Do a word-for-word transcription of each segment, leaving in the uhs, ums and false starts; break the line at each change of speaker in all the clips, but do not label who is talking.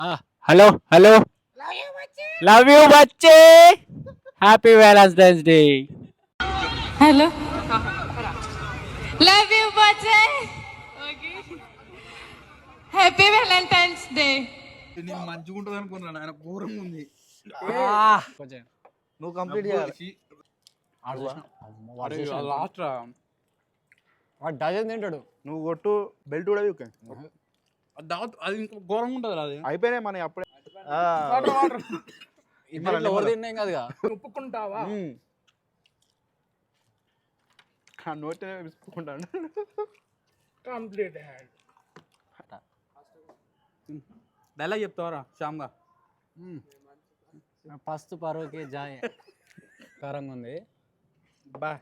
Hello hello love you బచ్చే happy valentine's day
hello love you బచ్చే happy valentine's day.
నేను మంచిగా ఉంటుంది అనుకున్నాను, ఆయన ఘోరంగా ఉంది.
కొంచెం
నువ్వు కంప్లీట్ చేయాలి.
లాస్ట్ డజన్ తింటాడు.
నువ్వు కొట్టు, బెల్ట్ కూడా వీక్.
అది ఇంకా ఘోరంగా ఉంటుంది అది.
అయిపోయినాయి మన అప్పుడే.
ఎవరు తిన్నాం కదా
ఒప్పుకుంటావా?
నోటే విసుకుంటాను.
కంప్లీట్
డైలాగ్ చెప్తావరా శ్యామ్గా?
ఫస్ట్ పరోకే జాయ్ కారంగా ఉంది.
బా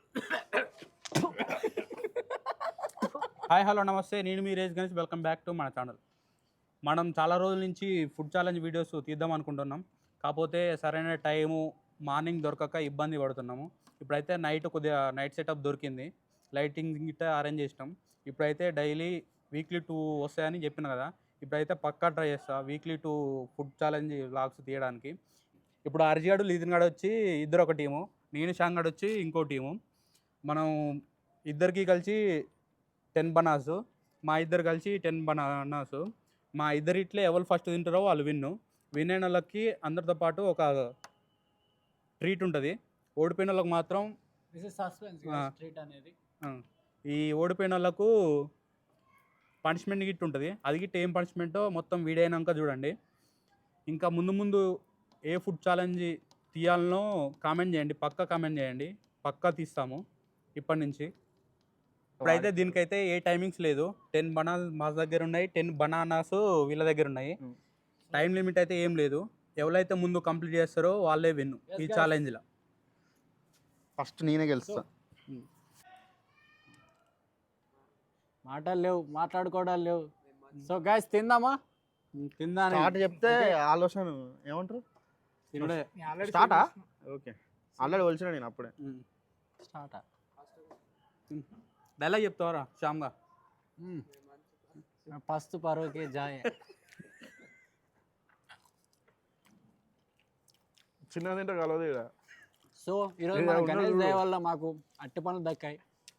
హాయ్ హలో నమస్తే, నేను మీ రేజ్ గణేష్. వెల్కమ్ బ్యాక్ టు మన ఛానల్. మనం చాలా రోజుల నుంచి ఫుడ్ ఛాలెంజ్ వీడియోస్ తీద్దాం అనుకుంటున్నాం, కాకపోతే సరైన టైము మార్నింగ్ దొరకక ఇబ్బంది పడుతున్నాము. ఇప్పుడైతే నైట్ కొద్దిగా నైట్ సెటప్ దొరికింది, లైటింగ్ గిట్ట అరేంజ్ చేసినాం. ఇప్పుడైతే డైలీ వీక్లీ టూ వస్తాయని చెప్పిన కదా, ఇప్పుడైతే పక్కా ట్రై చేస్తా weekly two food challenge vlogs తీయడానికి. ఇప్పుడు అర్జిగాడు లీదిన్ గాడు వచ్చి ఇద్దరు ఒక టీము, నేను షాంగాడు వచ్చి ఇంకో టీము. మనం ఇద్దరికి కలిసి టెన్ బనాస్, మా ఇద్దరు కలిసి టెన్ బనానాస్. మా ఇద్దరు ఇట్లే ఎవరు ఫస్ట్ తింటారో వాళ్ళు విన్ను. విన్ అయిన వాళ్ళకి అందరితో పాటు ఒక ట్రీట్ ఉంటుంది. ఓడిపోయిన వాళ్ళకి మాత్రం
అనేది
ఈ ఓడిపోయిన వాళ్ళకు పనిష్మెంట్ గిట్ ఉంటుంది. అది గిట్ ఏం పనిష్మెంటో మొత్తం వీడియో అయినాక చూడండి. ఇంకా ముందు ముందు ఏ ఫుడ్ ఛాలెంజ్ తీయాలనో కామెంట్ చేయండి, పక్కా కామెంట్ చేయండి, పక్కా తీస్తాము ఇప్పటి నుంచి. ఇప్పుడైతే దీనికైతే ఏ టైమింగ్స్ లేదు. టెన్ బనానాస్ మా దగ్గర ఉన్నాయి, టెన్ బనానాస్ వీళ్ళ దగ్గర ఉన్నాయి. టైం లిమిట్ అయితే ఏం లేదు. ఎవరైతే ముందు కంప్లీట్ చేస్తారో వాళ్ళే విన్ను ఈ ఛాలెంజ్లో.
ఫస్ట్ నేనే గెలుస్తా.
మాటలు లేవు, మాట్లాడుకోవడాలు లేవు. సో గైస్ తిందామా?
కింద
స్టార్ట్ చెప్తే ఆలోచన ఏమంటారు?
తినడే
స్టార్టా? ఓకే, ఆల్రెడీ వచ్చిన నేను అప్పుడే.
స్టార్ట్.
డైలాగ్ చెప్తావరా శ్యామ్గా?
ఫస్ట్ పరోకే జాయ్.
చిన్న తింటే కలవదు ఇక్కడ.
సో ఈరోజు మన గణేష్ దయ వల్ల మాకు అట్టి పనులు దక్కాయి.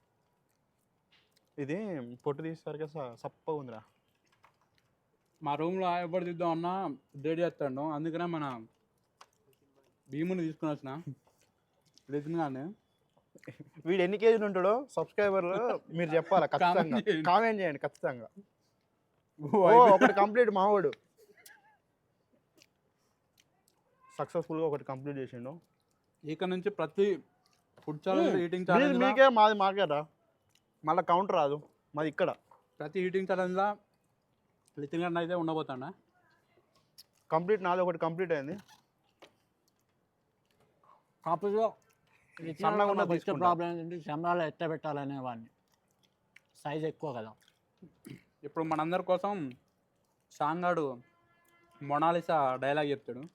ఇది పొట్టు తీసేసరికి సప్పగా ఉందిరా.
మా రూమ్లో ఎవరు తీద్దాం అన్నా డేట్ చేస్తాడు, అందుకనే మన భీముని తీసుకుని వచ్చిన లిజన్గానే.
వీడు ఎన్ని కేజీలు ఉంటాడో సబ్స్క్రైబర్లు మీరు చెప్పాలా ఖచ్చితంగా, కామెంట్ చేయండి ఖచ్చితంగా. ఒకటి కంప్లీట్ మావాడు సక్సెస్ఫుల్గా ఒకటి కంప్లీట్ చేసిండు.
ఇక నుంచి ప్రతి ఫుడ్ ఛాలెంజ్ ఈటింగ్ ఛాలెంజ్
మీకే మాది మాకేరా, మళ్ళీ కౌంటర్ రాదు మాది ఇక్కడ.
ప్రతి ఈటింగ్ ఛాలెంజ్లో లితిన్ గారిని అయితే ఉండబోతాడా.
కంప్లీట్ నాది ఒకటి కంప్లీట్ అయింది.
కాపులో
సన్నగా ఉన్న
ఫస్ట్ ప్రాబ్లం ఏంటంటే శంబరాలు ఎట్ట పెట్టాలనే వాడిని, సైజ్ ఎక్కువ కదా.
ఇప్పుడు మనందరి కోసం షాంగాడు మొనాలిసా డైలాగ్ చెప్తాడు.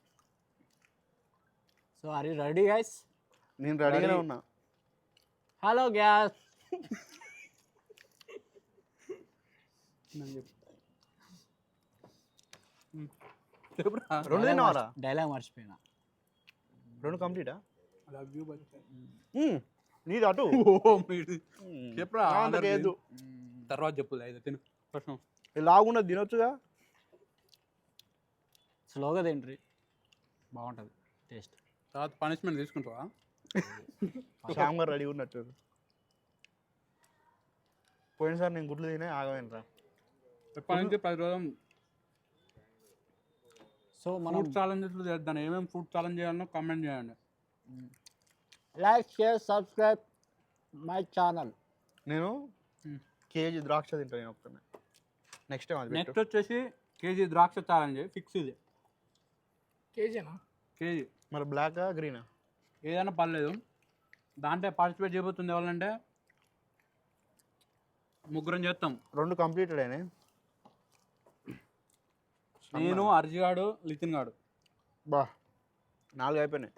So are you ready guys?
నేను రెడీగానే ఉన్నా.
Hello guys.
రెండు తిన్నావారా?
డైలాగ్ మర్చిపోయినా.
రెండు కంప్లీటా?
లవ్ యూ
నీది అటు
చెప్పరా
లేదు.
తర్వాత చెప్పు అయితే తిను ప్రశ్న.
లాగున్నది తినొచ్చుగా.
స్లోగా తింట్రీ బాగుంటుంది టేస్ట్.
తర్వాత పనిష్మెంట్ తీసుకుంటావా?
శ్యామ్ గారు రెడీ ఉన్నట్టు. పోయినసారి నేను గుడ్లు తినే ఆగమైనరా.
ఎప్పటి నుంచి పది రోజులు
సో మనం
ఫుడ్ ఛాలెంజెస్ చేద్దాం. ఏమేమి ఫుడ్ ఛాలెంజ్ చేయాలనో కామెంట్ చేయండి.
Like share subscribe my channel.
నేను కేజీ ద్రాక్ష తింటాను నేను ఒక్కనే. నెక్స్ట్ టైం అది
నెక్స్ట్ వచ్చేసి కేజీ ద్రాక్ష ఛాలెంజ్ ఫిక్స్. ఇది
కేజీనా?
కేజీ.
మరి బ్లాకా గ్రీనా
ఏదైనా పర్లేదు. దాంట్లో పార్టిసిపేట్ చేయబోతుంది ఎవరంటే ముగ్గురం చేస్తాం.
రెండు కంప్లీటెడ్ అయినాయి.
నేను, అర్జిగాడు, లితిన్ గాడు.
బా నాలుగు అయిపోయినాయి.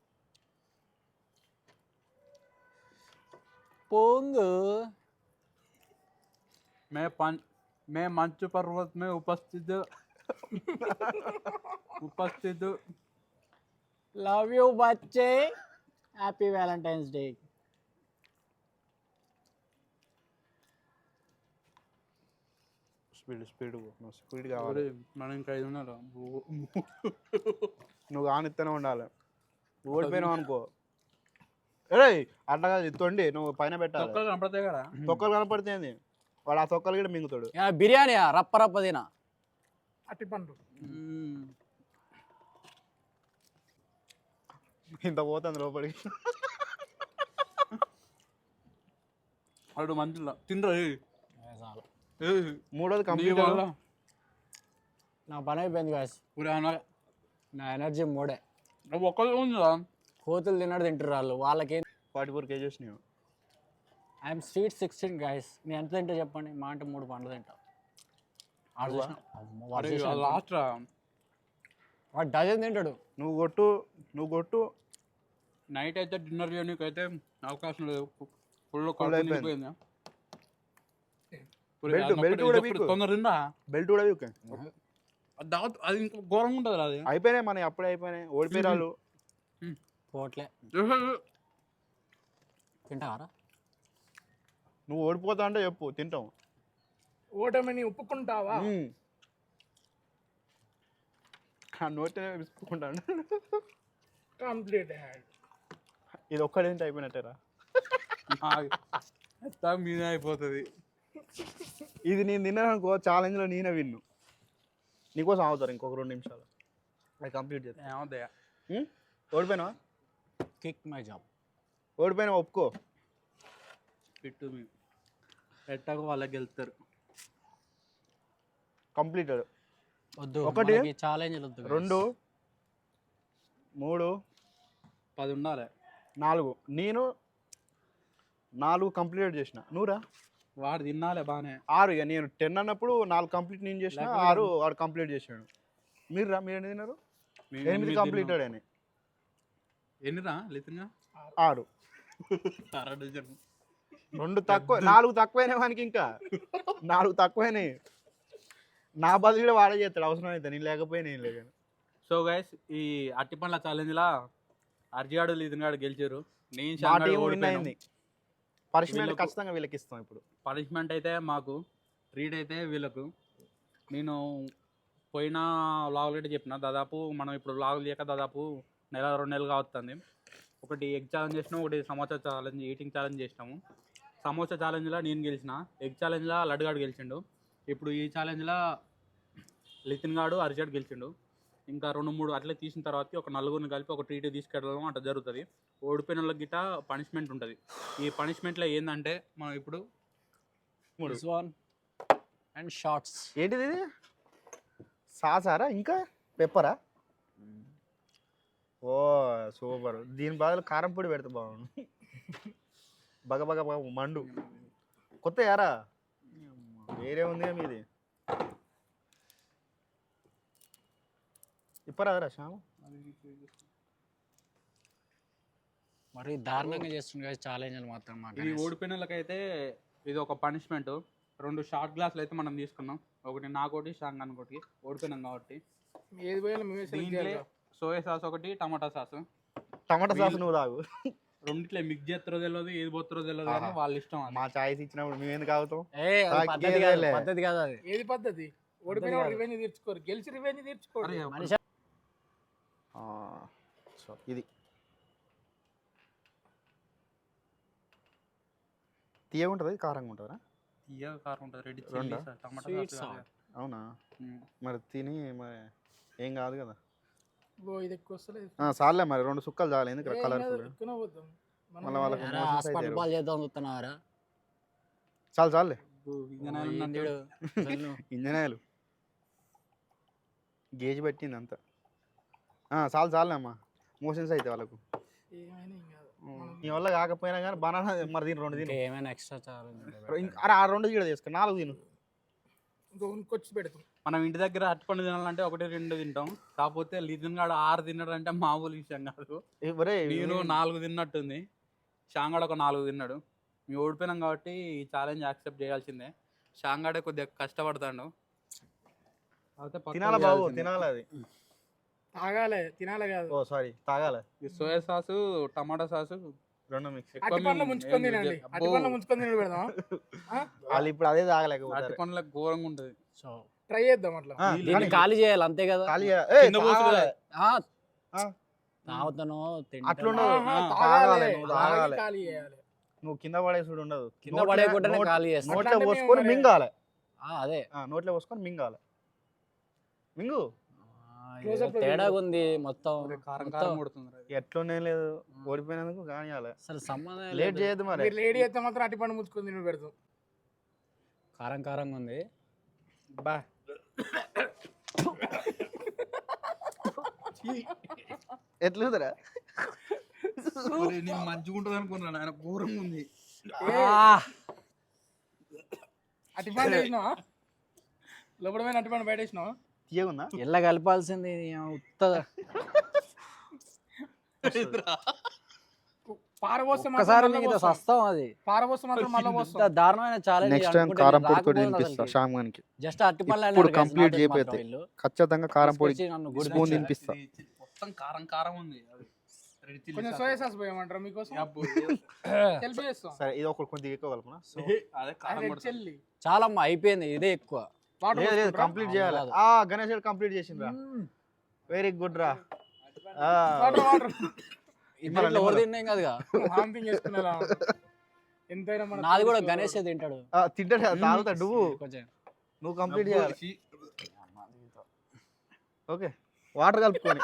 पोंग
मैं पान मैं मंच पर्वत में उपस्थित ఉపస్థితు
లవ్ యూ బచ్చే. Happy valentine's day.
Speed speed నువ్వు స్పీడ్ కావాలి.
మనం ఇంకా ఐదు ఉన్నారు.
నువ్వు కానిస్తూనే ఉండాలి. ఓడిపోయినావు అనుకో, అరే అట్లా కాదు, తొండి నువ్వు పైన పెట్టాలి.
తొక్కలు కనపడతాయి కదా.
తొక్కలు కనపడితేంది, వాడు ఆ తొక్కలు కూడా మింగుతాడు.
బిర్యానీ రప్ప రప్ప తినా.
అట్టి పండు
ఇంత పోతుంది లోపలికి.
వాడు మంచిగా తిండ్రా.
చాలు,
మూడోది కంప్లీట్.
నా పని అయిపోయింది గాయస్. నా ఎనర్జీ మూడే.
ఒక్కరు ఉందా?
కోతులు తిన్నాడు తింటారు వాళ్ళు. వాళ్ళకి
ఫార్టీ ఫోర్ కేజెస్ నీవు.
I'm sweet sixteen guys. నేను ఎంత తింటా చెప్పండి? మా అంటే మూడు పండ్లు తింటా.
లాస్ట్ రా.
వాడు డజన్ తింటాడు.
నువ్వు కొట్టు, నువ్వు కొట్టు.
నైట్ అయితే డిన్నర్ చేయడానికి అయితే అవకాశం లేదు. ఫుల్
Full అయిపోయింది.
అయిపోయిందా?
బెల్ట్ బెల్ట్ కూడా వీక్.
తొందర తిందా?
బెల్ట్ కూడా వీక్.
దావత్ అది ఇంకా ఘోరంగా ఉంటుంది అది.
అయిపోయినాయి మనకి, అప్పుడే అయిపోయినాయి. ఓడిపోయారు.
పోట్లే తింటారా?
నువ్వు ఓడిపోతా అంటే చెప్పు, తింటాం.
ఓటమిని ఒప్పుకుంటావా?
నోటినే విసుకుంటాను.
కంప్లీట్.
ఇది ఒక్కడేంటి అయిపోయినట్టేరా.
మీదే అయిపోతుంది.
ఇది నేను తిన్నాను అనుకో, ఛాలెంజ్లో నేనే విన్ను. నీకోసం అవుతారు ఇంకొక రెండు నిమిషాలు, అది కంప్లీట్ చేస్తా.
ఏమవుతాయా?
ఓడిపోయినావా?
Kick my job.
ఓడిపోయినా ఒప్పుకో.
పెట్టు మీ పెట్టకు వాళ్ళకి వెళ్తారు.
కంప్లీటెడ్.
వద్దు,
ఒకటి,
ఛాలెంజ్ వద్దు.
రెండు, మూడు,
పది ఉండాలి.
నాలుగు. నేను నాలుగు కంప్లీట్ చేసిన. నువ్వురా?
వాడు తినాలే బాగానే.
ఆరు. ఇక నేను టెన్ అన్నప్పుడు నాలుగు కంప్లీట్ నేను చేసిన, ఆరు వాడు కంప్లీట్ చేసాడు. మీరు రా, మీరు ఎన్ని తిన్నారు? ఎనిమిది కంప్లీటెడ్ అని.
ఎన్నిరా లితిన్గా?
ఆరు.
అర డజన్.
రెండు తక్కువ, నాలుగు తక్కువైనాయి వానికి. ఇంకా నాలుగు తక్కువైనాయి. నా బదులు కూడా వాడే చేస్తాడు అవసరం అయితే, నేను లేకపోయినా ఏం లేదు.
సో గైస్, ఈ అట్టి పండ్ల ఛాలెంజ్లా అర్జిగాడు లితిన్గాడు గెలిచారు. నేను
మా
శాంగాడు
టీం విన్
ఓడిపోయాను.
అయింది. పనిష్మెంట్
వీళ్ళకు-
ఖచ్చితంగా వీళ్ళకి ఇస్తాం ఇప్పుడు.
పనిష్మెంట్ అయితే మాకు, ట్రీట్ అయితే వీళ్ళకు. నేను పోయిన వ్లాగులు అయితే చెప్పిన, దాదాపు మనం ఇప్పుడు వ్లాగులు చేయక దాదాపు నెల రెండు నెలలు కావస్తుంది. ఒకటి ఎగ్ ఛాలెంజ్ చేసినాం, ఒకటి సమోసా ఛాలెంజ్, ఈటింగ్ ఛాలెంజ్ చేసినాము. సమోసా ఛాలెంజ్లో నేను గెలిచిన, ఎగ్ ఛాలెంజ్లో లడ్డుగాడు గెలిచిండు. ఇప్పుడు ఈ ఛాలెంజ్లో లితిన్ గాడు అర్జాడ్ గెలిచిండు. ఇంకా రెండు మూడు అట్లే తీసిన తర్వాత ఒక నలుగురిని కలిపి ఒక ట్రీట్ తీసుకెళ్ళడం అట్లా జరుగుతుంది. ఓడిపోయిన వాళ్ళకి గిట్ట పనిష్మెంట్ ఉంటుంది. ఈ పనిష్మెంట్లో ఏంటంటే మనం ఇప్పుడు
అండ్ షార్ట్స్.
ఏంటిది ఇది? సాసారా ఇంకా పెప్పరా? ఓ సూపర్. దీని బదులు కారం పొడి పెడితే బాగుండు. బగ బగ బగ మండు. కొత్త యారా వేరే ఉంది మీది. ఇప్పరాదరా శ్యామ?
మరి దారుణంగా చేస్తుంది కదా ఛాలెంజ్ మాత్రం.
ఇది ఓడిపోయిన వాళ్ళకైతే ఇది ఒక పనిష్మెంట్. రెండు షార్ట్ గ్లాసులు అయితే మనం తీసుకున్నాం. ఒకటి నాకోటి షాంగ్ అనుకోటి, ఓడిపోయినాం కాబట్టి.
ఏది పోయినా మేమే select
దీంట్లో
చేయాలి.
సోయా సాస్ ఒకటి, టమాటా సాస్.
టమాటా సాస్ నువ్వు తాగు.
రెండిట్లో మిక్స్ చేస్తారో తెలియదు, ఏది పోతారో తెలియదు కానీ వాళ్ళ ఇష్టం అది.
మా చాయ్స్ ఇచ్చినప్పుడు మేము ఎందుకు ఆగుతాం?
ఏ అది పద్ధతి కాదు,
తాగేదేలే.
పద్ధతి కాదు అది.
ఏది పద్ధతి? ఓడిపోయిన రివెంజ్ తీర్చుకోరు, గెలిచి రివెంజ్ తీర్చుకోరు.
అరే,
మనిషి
ఆ, సో ఇది తీయగా ఉంటుంది, కారంగా ఉంటుందా?
తీయగా కారం ఉంటుంది. రెడ్
రెండా?
చిల్లీ సాస్, టమాటా
Sweet
సాస్.
sauce.
అవునా?
ఉమ్.
మరి తిని మరి ఏం కాదు కదా.
ఓ ఇది ఎక్కువ వస్తలేదు.
ఆ, చాలే మరి రెండు సుక్కలు చాలు, ఎందుకు
ఏ, ఏం
కలర్ఫుల్.
కాదు, ఎక్కువనే పోతాం. మనం
మళ్ళీ వాళ్ళకి
ఎరా,
మోషన్స్
హాస్పిటల్
అయితే
పాలు చేద్దాం చూస్తున్నారా?
చాలు చాలులే.
ఓ, ఇంజనాలు ఉన్నట్టు.
వెళ్ళు.
ఇంజనీర్లు గేజ్ పెట్టింది అంతా. ఆ, చాలు చాలులే అమ్మా, మోషన్స్ అయితే వాళ్ళకు.
ఏమైనా ఏం కాదు.
నీ వల్ల కాకపోయినా కానీ బనానా మరి దీని రెండు
ఇంకా
తిను.
ఏమైనా ఎక్స్ట్రా ఛాలెంజ్
ఇంక- అరే ఆ రెండు కూడా తీసుకో, నాలుగు తిను.
ఇంకో ఇంకొచ్చి పెడతాం.
మనం ఇంటి దగ్గర అట్టుపండు తినాలంటే ఒకటి రెండు తింటాం. కాకపోతే లిజన్ గాడు ఆరు తిన్నాడు అంటే మామూలు విషయం కాదు.
ఏ, ఒరే,
నేను నాలుగు తిన్నట్టుంది, షాంగాడు ఒక నాలుగు తిన్నాడు. మేము ఓడిపోయినాం కాబట్టి ఈ ఛాలెంజ్ యాక్సెప్ట్ చేయాల్సిందే. షాంగాడే కొద్దిగా కష్టపడతాడు. అయితే పక్కా
తినాల బాబు
చేయాల్సిందే.
తినాలి అది.
తాగాలి తినాలి కాదు.
ఓ సారీ తాగాలి.
ఈ సోయా సాసు టమాటా సాసు
రెండు మిక్స్.
అట్టి పండ్ల ముంచుకొని తినండి. అట్టి పండ్ల ముంచుకొని తినడు పెడదాం.
వాళ్ళు ఇప్పుడు అదే
అట్టి
తాగలేకపోతారు.
పండ్లకు ఘోరంగా ఉంటుంది.
సో
ట్రై చేద్దాం అట్లా.
ఆ,
దీన్ని
కానీ
ఖాళీ చేయాలి అంతే కదా.
ఖాళీ చేయ- ఏయ్,
కింద పోసుడు
తాగాలి.
ఆ,
ఆ,
తాగుతాను
అట్లుండదు.
ఆహా,
ఆ,
తాగాలి.
తాగాలి, నువ్వు
తాగి
తాగాలి.
ఖాళీ చేయాలి.
నువ్వు కింద పడేసుడు ఉండదు.
కింద
నోట్లో-
పడేయకుండానే
నోట్-
ఖాళీ చేస్తాను.
నోట్లో
అట్లాంటి
పోసుకొని
మేము
మింగాలి.
అదే
ఆ, నోట్లో పోసుకొని మింగాలి. మింగు.
ఆ,
Close
ఏదో
up లో
తేడాగా ఉంది మొత్తం.
కారం
మొత్తం
కారం కొడుతుంది అది.
ఎట్లుండే లేదు ఓడిపోయినందుకు కానియాలి.
అసలు సంబంధం
లేట్
లేదు.
చేయదు మరి.
మీరు లేడీ అయితే మాత్రం అట్టి పండు ముంచుకొని తినడు పెడతాం.
కారం కారంగా ఉంది.
బా
ఎట్లుందిరా?
నేను మంచిగా ఉంటుంది అనుకున్నాను, ఆయన ఘోరంగా ఉంది.
అట్టి పండు వేసినావా? లోపల పోయిన అట్టి పండు బయట వేసినావా?
తీయగుందా?
ఎల్ల కలపాల్సింది ఉత్త
పారబోస్తే
ఒక్కసారి
మాత్రం
మీకు
మళ్ళా పోస్తాం.
సస్తాం అది.
పారబోస్తే మాత్రం మళ్ళీ
ఇంత
పోస్తాం.
దారుణమైన ఛాలెంజ్
నెక్స్ట్ టైం కారం పొడితో తినిపిస్తా శ్యామ్ గానికి.
జస్ట్ అట్టి పళ్ళు
ఇప్పుడు complete చేయిపోతే. ఖచ్చితంగా కారం పొడి
నన్ను
స్పూన్
గుడి
తినిపిస్తా.
ఇది మొత్తం కారం కారం ఉంది. అది రెడ్ చిల్లీ
కొంచెం
సాస్.
సోయా సాస్ పోయమంటారా మీకోసం?
అబ్బో,
హెల్ప్ చేస్తాం.
సరే ఇది ఒక కొద్దిగా ఎక్కువ కలపనా?
అదే కారం
రెడ్
కొడుతుంది.
చిల్లీ
చాలా అమ్మా అయిపోయింది ఇదే ఎక్కువ.
వాటర్
లేదు లేదు
పోసుకుంటారా?
కంప్లీట్ చేయాలి.
కాదు.
ఆ గణేష్ కంప్లీట్ చేసిండ్రా. వెరీ గుడ్ రా. ఆ,
వాటర్ వాటర్
ఇప్పుడు ఇట్లా ఎవరు తిన్నాం కదగా.
వామిటింగ్ చేసుకునేలా ఉంటుంది. ఎంతైనా మన
నాది కూడా
తెలుసు.
గణేష్ తింటాడు.
ఆ, తింటాడు కదా, తాగుతాడు. నువ్వు
కొంచెం
నువ్వు కంప్లీట్
అబ్బో,
చేయాలి.
షీ.
ఓకే వాటర్ కలుపుకొని.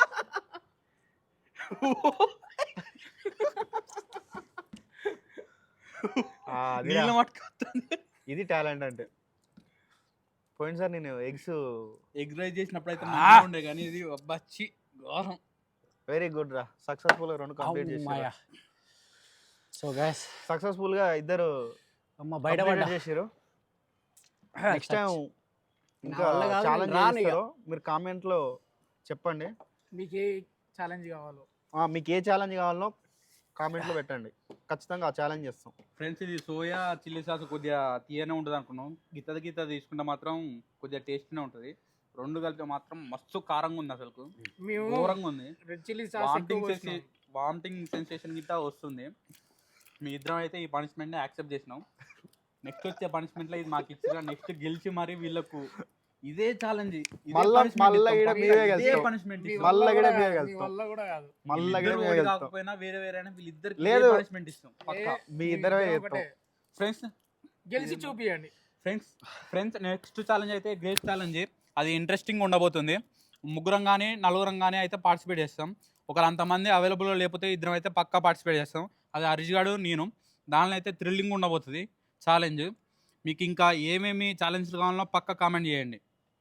ఆ, అదిరా.
నీళ్ళ మట్టుకొస్తుంది.
ఇది టాలెంట్ అంటే. పోయినసారి నేను ఎగ్స్
ఎగ్ రైస్ చేసినప్పుడు అయితే మంచిగా ఉండే కానీ ఇది అబ్బాచ్చి ఘోరం.
వెరీ గుడ్ రా. సక్సెస్ఫుల్ గా రెండు కంప్లీట్
అమ్మయ్య.
చేసారు.
సో గైస్
సక్సెస్ఫుల్ గా ఇద్దరు
అమ్మ బయట పడ్డా.
చేసారు. నెక్స్ట్ టైం ఇంకా
నా వల్ల కాదు,
ఛాలెంజ్
రాను ఇక.
చేస్తారో మీరు కామెంట్ లో చెప్పండి.
మీకు ఏ ఛాలెంజ్ కావాలో
ఆ, మీకు ఏ ఛాలెంజ్ కావాలో కామెంట్ లో పెట్టండి. ఖచ్చితంగా ఆ ఛాలెంజ్ చేస్తాం.
ఫ్రెండ్స్ ఇది సోయా చిల్లీ సాస్ కొద్దిగా తీయనే ఉంటుంది అనుకున్నాం. గిత్తది గిత్త తీసుకుంటే మాత్రం కొద్దిగా టేస్ట్నే ఉంటుంది. రెండు కలిపి మాత్రం మస్తు కారంగా ఉంది. అసలు
మేము
ఘోరంగా ఉంది.
రెడ్ చిల్లీ సాస్
వామిటింగ్ సెన్సే వామిటింగ్ సెన్సేషన్ గిట్ట వస్తుంది. మీ ఇద్దరం అయితే ఈ పనిష్మెంట్ని యాక్సెప్ట్ చేసినాం. నెక్స్ట్ వచ్చే పనిష్మెంట్లో ఇది మాకు ఇచ్చిన నెక్స్ట్ గెలిచి మరి వీళ్ళకు ఇదే ఛాలెంజ్
మళ్ళా మళ్ళా ఈడ మీరే గెలుస్తాం.
పనిష్మెంట్
మళ్ళా కూడా
కాదు,
మీరే
మీ
గెలుస్తాం.
వల్ల కూడా కాదు.
మళ్ళా కూడా మీరే గెలుస్తాం.
కాకపోయినా వేరే వేరే వీళ్ళిద్దరికి
లేదు.
పనిష్మెంట్ ఇస్తాం పక్కా.
ఏ,
మీ ఇద్దరే
ఇద్దరం
చేస్తాం.
ఒకటే.
ఫ్రెండ్స్
గెలిచి చూపియండి.
ఫ్రెండ్స్ ఫ్రెండ్స్ నెక్స్ట్ ఛాలెంజ్ అయితే గ్రేట్ ఛాలెంజ్. అది ఇంట్రెస్టింగ్ ఉండబోతుంది. ముగ్గురం కానీ నలుగురం కానీ అయితే పార్టిసిపేట్ చేస్తాం. ఒకరు అంతమంది అవైలబుల్లో లేకపోతే ఇద్దరం అయితే పక్కా పార్టిసిపేట్ చేస్తాం. అది హరీష్ గాడు నేను. దానిలో అయితే థ్రిల్లింగ్ ఉండబోతుంది ఛాలెంజ్. మీకు ఇంకా ఏమేమి ఛాలెంజ్లు కావాలో పక్కా కామెంట్ చేయండి.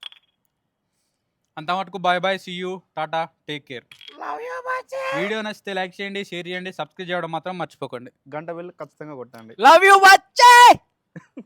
అంతవరకు bye bye, see you, tata, take care. Video నచ్చితే లైక్ చేయండి, షేర్ చేయండి, సబ్స్క్రైబ్ చేయడం మాత్రం మర్చిపోకండి.
గంట వెళ్ళి ఖచ్చితంగా కొట్టండి.
Love you Bachcha.